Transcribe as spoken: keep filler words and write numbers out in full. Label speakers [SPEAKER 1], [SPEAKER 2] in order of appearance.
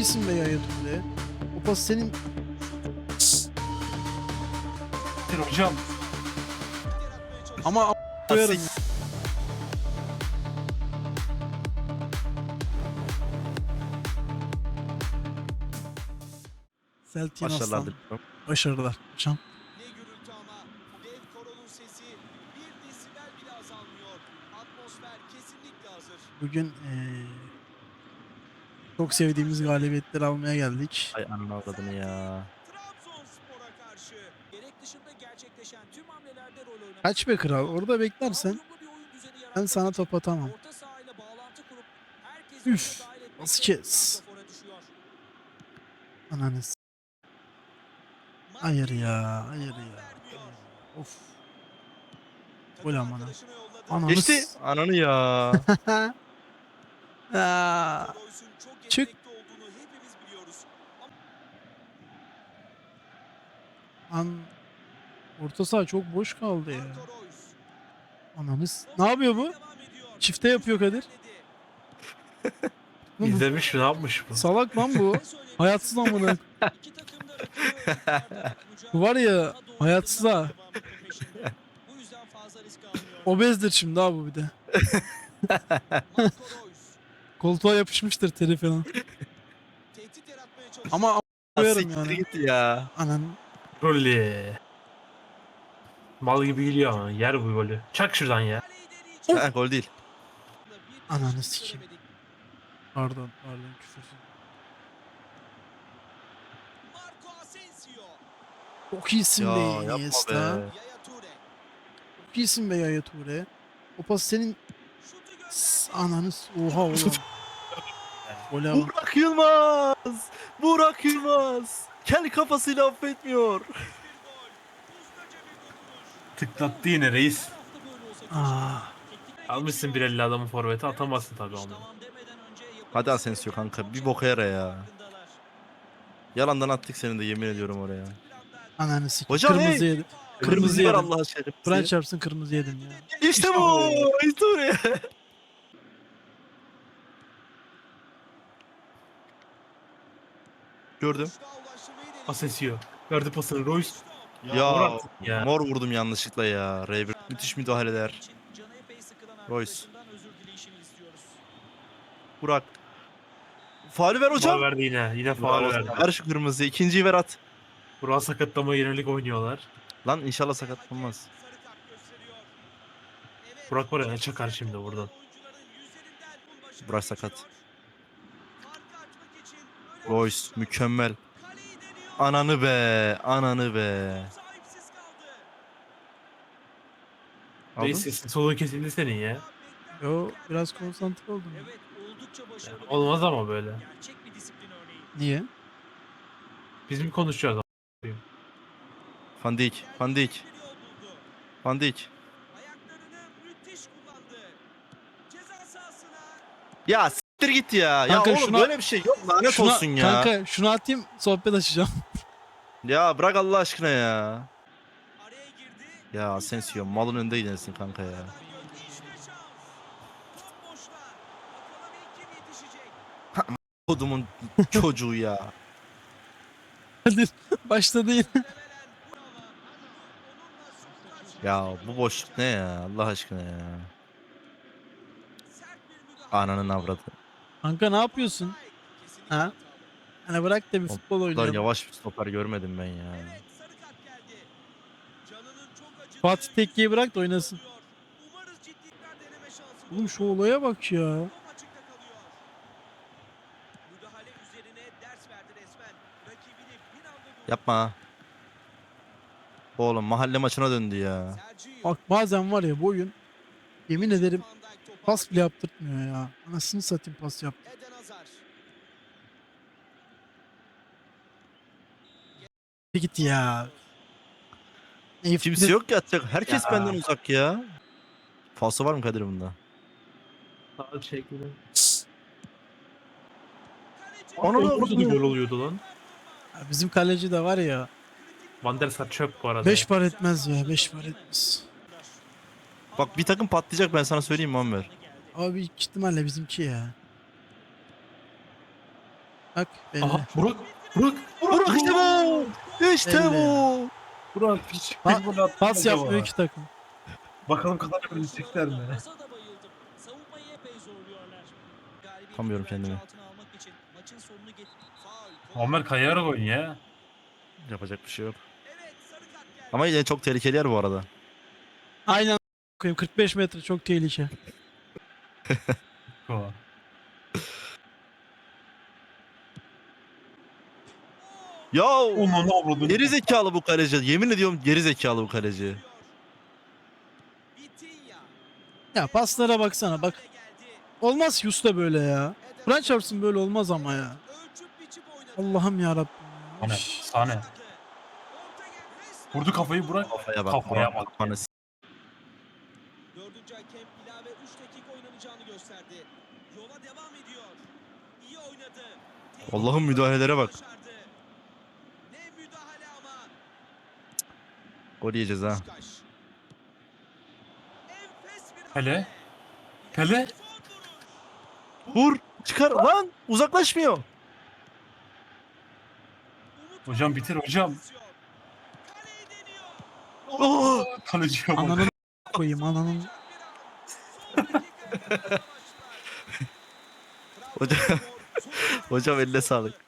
[SPEAKER 1] iyisin be Yaya Toure. O pas senin.
[SPEAKER 2] Hocam.
[SPEAKER 1] Ama a- koyarım. ya. Celtian
[SPEAKER 3] Başarılar
[SPEAKER 1] Aslan.
[SPEAKER 3] diliyorum.
[SPEAKER 1] Başarılar hocam.
[SPEAKER 4] Ne gürültü ama dev koronun sesi bir desibel bile azalmıyor. Atmosfer kesinlikle hazır.
[SPEAKER 1] Bugün eee, çok sevdiğimiz galibiyetleri almaya geldik.
[SPEAKER 3] Ay ananı avradını ya.
[SPEAKER 4] Trabzonspor'a karşı gerek dışında gerçekleşen tüm hamlelerde rol oynamış.
[SPEAKER 1] Kaç be kral, orada beklersen
[SPEAKER 4] Uyumlu bir oyun düzeni
[SPEAKER 1] ben
[SPEAKER 4] yaratmak
[SPEAKER 1] sana
[SPEAKER 4] için
[SPEAKER 1] top atamam.
[SPEAKER 4] orta sahayla bağlantı kurup herkesi
[SPEAKER 1] Üf,
[SPEAKER 4] oyuna dahil etmek
[SPEAKER 1] nasıl
[SPEAKER 4] de
[SPEAKER 1] kes?
[SPEAKER 4] santrafora düşüyor.
[SPEAKER 1] Ananız. Hayır ya, hayır ya. Of. Gol amına.
[SPEAKER 4] Arkadaşına yolladı.
[SPEAKER 1] Ananız.
[SPEAKER 3] Geçti. Ananı ya.
[SPEAKER 1] Aa,
[SPEAKER 4] Royce'un çok
[SPEAKER 1] çık.
[SPEAKER 4] yetenekli olduğunu hepimiz biliyoruz.
[SPEAKER 1] An orta saha çok boş kaldı ya.
[SPEAKER 4] Marco Reus.
[SPEAKER 1] Ananız. Ne yapıyor bu?
[SPEAKER 4] Devam ediyor.
[SPEAKER 1] Çifte yapıyor Kadir. Bu-
[SPEAKER 2] İzlemiş mi? Ne yapmış bu?
[SPEAKER 1] Salak lan bu. Hayatsız amına.
[SPEAKER 4] İki takım da rakibi
[SPEAKER 1] Bu var ya, hayatsız ha.
[SPEAKER 4] Bu yüzden fazla risk almıyor.
[SPEAKER 1] Obezdir şimdi ha bu bir de.
[SPEAKER 4] Marco Reus
[SPEAKER 1] Koltuğa yapışmıştır teri falan.
[SPEAKER 4] tehdit yaratmaya çalışıyor.
[SPEAKER 1] Ama a- koyarım
[SPEAKER 3] Siktir
[SPEAKER 1] yani.
[SPEAKER 3] git ya.
[SPEAKER 1] Anan.
[SPEAKER 2] Rolli. Mal gibi geliyor ama yer bu golü. Çak şuradan ya.
[SPEAKER 4] Kaleyi deneyecek.
[SPEAKER 3] Ha, gol değil.
[SPEAKER 4] Bir
[SPEAKER 1] Ananı
[SPEAKER 4] değişiklik
[SPEAKER 1] sikeyim.
[SPEAKER 4] göremedik.
[SPEAKER 1] Pardon, pardon küfürsüz.
[SPEAKER 4] Marco Asensio.
[SPEAKER 1] Çok iyisin
[SPEAKER 3] Ya
[SPEAKER 1] be
[SPEAKER 3] yapma
[SPEAKER 1] Iniesta.
[SPEAKER 3] be.
[SPEAKER 4] Yaya Toure.
[SPEAKER 1] Çok iyisin be Yaya Toure. O pas senin.
[SPEAKER 4] Şutu
[SPEAKER 1] S-
[SPEAKER 4] gönderdi.
[SPEAKER 1] Ananız. Oha oha. Gole bak.
[SPEAKER 3] Burak Yılmaz. Burak Yılmaz. Kel kafasıyla affetmiyor.
[SPEAKER 4] Bir gol. Ustaca bir dokunuş.
[SPEAKER 2] Tıklattı yine reis.
[SPEAKER 4] Her hafta böyle olsa
[SPEAKER 1] Ah.
[SPEAKER 2] Almışsın bir elli adamı forvete atamazsın tabii onu.
[SPEAKER 4] Tamam demeden önce yapılması
[SPEAKER 3] Hadi Asensio
[SPEAKER 4] gereken
[SPEAKER 3] kanka,
[SPEAKER 4] çok
[SPEAKER 3] bir
[SPEAKER 4] şey
[SPEAKER 3] boka yara ya.
[SPEAKER 4] farkındalar.
[SPEAKER 3] Yalandan attık seni de yemin ediyorum oraya.
[SPEAKER 1] Ananı sikeyim.
[SPEAKER 3] Hocam,
[SPEAKER 1] Kırmızı
[SPEAKER 3] hey!
[SPEAKER 1] yedim.
[SPEAKER 3] Kırmızı
[SPEAKER 1] Kırmızı
[SPEAKER 3] ver
[SPEAKER 1] yedim.
[SPEAKER 3] Allah aşkına.
[SPEAKER 1] Kur'an çarpsın kırmızı yedim ya.
[SPEAKER 3] İşte bu. İşte oraya. Gördüm.
[SPEAKER 4] Boşluğa ulaştırmayı deneyecek.
[SPEAKER 2] Asensio. Verdi pasını Royce.
[SPEAKER 3] Ya,
[SPEAKER 2] Murat ya.
[SPEAKER 3] mor vurdum yanlışlıkla ya. R bir müthiş müdahaleler.
[SPEAKER 4] Canı epey sıkılan
[SPEAKER 3] Royce.
[SPEAKER 4] arkadaşından özür dileyişini istiyoruz.
[SPEAKER 3] Burak. Faulü ver hocam.
[SPEAKER 2] Faul verdi yine. Yine faul
[SPEAKER 3] Bravo.
[SPEAKER 2] verdi.
[SPEAKER 3] Ver şu kırmızıyı. İkinciyi ver at.
[SPEAKER 2] Burak'a sakatlama yönelik oynuyorlar.
[SPEAKER 3] Lan inşallah sakatlanmaz.
[SPEAKER 4] Sarı kart gösteriyor. Evet,
[SPEAKER 2] Burak var ya, çakar şimdi buradan.
[SPEAKER 4] oyuncuların yüzlerinden bu başarı
[SPEAKER 3] Burak sakat.
[SPEAKER 4] geçiyor. Farkı açmak için önemli
[SPEAKER 3] Royce
[SPEAKER 4] bir
[SPEAKER 3] mükemmel.
[SPEAKER 4] kaleyi deniyor.
[SPEAKER 3] Ananı be. Ananı be.
[SPEAKER 4] Sahipsiz kaldı.
[SPEAKER 3] Aldın?
[SPEAKER 2] Reis sesin solu kesildi senin ya.
[SPEAKER 1] Yo, biraz konsantre oldum.
[SPEAKER 4] Evet, oldukça başarılı.
[SPEAKER 2] Yani olmaz ama böyle.
[SPEAKER 4] Gerçek bir disiplin örneği.
[SPEAKER 1] Niye?
[SPEAKER 2] Biz mi konuşacağız?
[SPEAKER 3] Van Dijk. Van Dijk.
[SPEAKER 4] Bir yol buldu.
[SPEAKER 3] Van Dijk.
[SPEAKER 4] Ayaklarını müthiş kullandı. Ceza sahasına
[SPEAKER 3] Ya siktir git ya.
[SPEAKER 1] Kanka
[SPEAKER 3] ya oğlum
[SPEAKER 1] şuna-
[SPEAKER 3] böyle bir şey yok. Lanet
[SPEAKER 1] Şuna-
[SPEAKER 3] olsun ya.
[SPEAKER 1] Kanka şunu atayım, sohbet açacağım.
[SPEAKER 3] Ya bırak Allah aşkına ya.
[SPEAKER 4] araya girdi.
[SPEAKER 3] Ya Asensio malın önünde gidersin kanka ya.
[SPEAKER 4] Arkadan gördü. İşte şans. Top boşta. Bakalım ilk kim yetişecek.
[SPEAKER 3] Kodumun çocuğu ya.
[SPEAKER 1] Hadi başladı yine.
[SPEAKER 4] Muhtemelen bu ama onunla son karşı
[SPEAKER 3] Ya bu boşluk ne ya Allah aşkına ya.
[SPEAKER 4] sert bir müdahale.
[SPEAKER 3] Ananın avradı.
[SPEAKER 1] Kanka ne yapıyorsun?
[SPEAKER 4] Kesinlikle
[SPEAKER 1] Ha?
[SPEAKER 4] hatalı.
[SPEAKER 1] Hani bırak da bir futbol
[SPEAKER 3] Bu kadar
[SPEAKER 1] oynayalım.
[SPEAKER 3] yavaş bir stoper görmedim ben ya.
[SPEAKER 4] Evet, sarı kart geldi. Canının çok acıdığı
[SPEAKER 1] Fatih Tekke'yi bırak da oynasın.
[SPEAKER 4] Umarız ciddilikler deneme şansı
[SPEAKER 1] Oğlum şu olaya bak ya.
[SPEAKER 4] Top açıkta kalıyor. Müdahale üzerine ders verdi resmen. Rakibini bir anda durdu.
[SPEAKER 3] Yapma. ha. Oğlum mahalle maçına döndü ya.
[SPEAKER 4] Sergio.
[SPEAKER 1] Bak bazen var ya bu oyun, yemin ederim
[SPEAKER 4] Van Dijk topu
[SPEAKER 1] pas
[SPEAKER 4] aldı.
[SPEAKER 1] bile yaptırtmıyor ya. Anasını satayım pas yap.
[SPEAKER 4] Eden Hazar.
[SPEAKER 1] Bir git ya. Eyüp
[SPEAKER 3] Kimse yok ki atacak. Herkes
[SPEAKER 2] Ya.
[SPEAKER 3] benden uzak ya. Falso var mı Kadir bunda?
[SPEAKER 2] Sağ şekilde.
[SPEAKER 4] Kaleci.
[SPEAKER 3] Onu da-
[SPEAKER 2] Orada da gol oluyordu lan.
[SPEAKER 1] Ya bizim kaleci de var ya.
[SPEAKER 2] Van der Sar çöp bu arada.
[SPEAKER 1] Beş par etmez ya. Beş par etmez.
[SPEAKER 3] Bak bir takım patlayacak ben sana söyleyeyim Muammer.
[SPEAKER 1] Abi büyük ihtimalle bizimki ya.
[SPEAKER 3] Bak belli.
[SPEAKER 2] Aha Burak. Burak.
[SPEAKER 3] Burak işte bu. İşte
[SPEAKER 2] Belli.
[SPEAKER 3] bu.
[SPEAKER 2] Burak hiç
[SPEAKER 3] Pa-
[SPEAKER 2] gol attı
[SPEAKER 3] Pas
[SPEAKER 2] acaba?
[SPEAKER 3] yapmıyor iki takım.
[SPEAKER 2] Bakalım kazanabilecekler mi?
[SPEAKER 5] Gaza da bayıldım. Savunmayı epey zorluyorlar. Galibiyeti
[SPEAKER 3] Tutamıyorum
[SPEAKER 5] güvence
[SPEAKER 3] kendimi.
[SPEAKER 5] altına almak için maçın sonunu get-
[SPEAKER 4] Faul.
[SPEAKER 2] Muammer kayarak oyun ya.
[SPEAKER 3] Yapacak bir şey yok.
[SPEAKER 4] Evet, sarı kart geldi.
[SPEAKER 3] Ama yine çok tehlikeli yer bu arada. Aynen koyayım kırk beş metre çok tehlike.
[SPEAKER 2] Ko.
[SPEAKER 3] Ya
[SPEAKER 2] Onu ne avradın?
[SPEAKER 3] geri zekalı bu kaleci. Yemin ediyorum geri zekalı bu kaleci.
[SPEAKER 4] Vitinha.
[SPEAKER 3] Ya paslara baksana bak.
[SPEAKER 4] Geldi.
[SPEAKER 3] Olmaz ki usta böyle ya. Kur'an çarpsın böyle olmaz ama ya.
[SPEAKER 4] Ölçüp biçip oynadı.
[SPEAKER 3] Allah'ım yarabbim.
[SPEAKER 2] Sane. Sane. Vurdu kafayı Burak.
[SPEAKER 3] Kafaya bak.
[SPEAKER 2] Kafaya
[SPEAKER 3] Kafaya
[SPEAKER 2] bak.
[SPEAKER 3] bak.
[SPEAKER 4] Dördüncü hakem ilave üç dakika oynanacağını gösterdi. Yola devam ediyor. İyi oynadı.
[SPEAKER 3] Allah'ın müdahalelere bak.
[SPEAKER 4] Başardı. Ne müdahale ama.
[SPEAKER 3] Gol yiyeceğiz ha.
[SPEAKER 4] Beşiktaş. Enfes bir
[SPEAKER 2] Hele.
[SPEAKER 4] hamle.
[SPEAKER 2] Hele.
[SPEAKER 4] Son vuruş.
[SPEAKER 3] Vur. Çıkar lan. Uzaklaşmıyor.
[SPEAKER 4] Umut
[SPEAKER 2] Hocam
[SPEAKER 4] var.
[SPEAKER 2] bitir hocam.
[SPEAKER 4] Kaleyi deniyor.
[SPEAKER 3] Oh.
[SPEAKER 2] Kaleciye bak.
[SPEAKER 3] Ananın koyayım ananın.
[SPEAKER 4] Son dakikaya başlar.
[SPEAKER 3] Hocam-
[SPEAKER 4] Trabzonspor son
[SPEAKER 3] Hocam eline sağlık.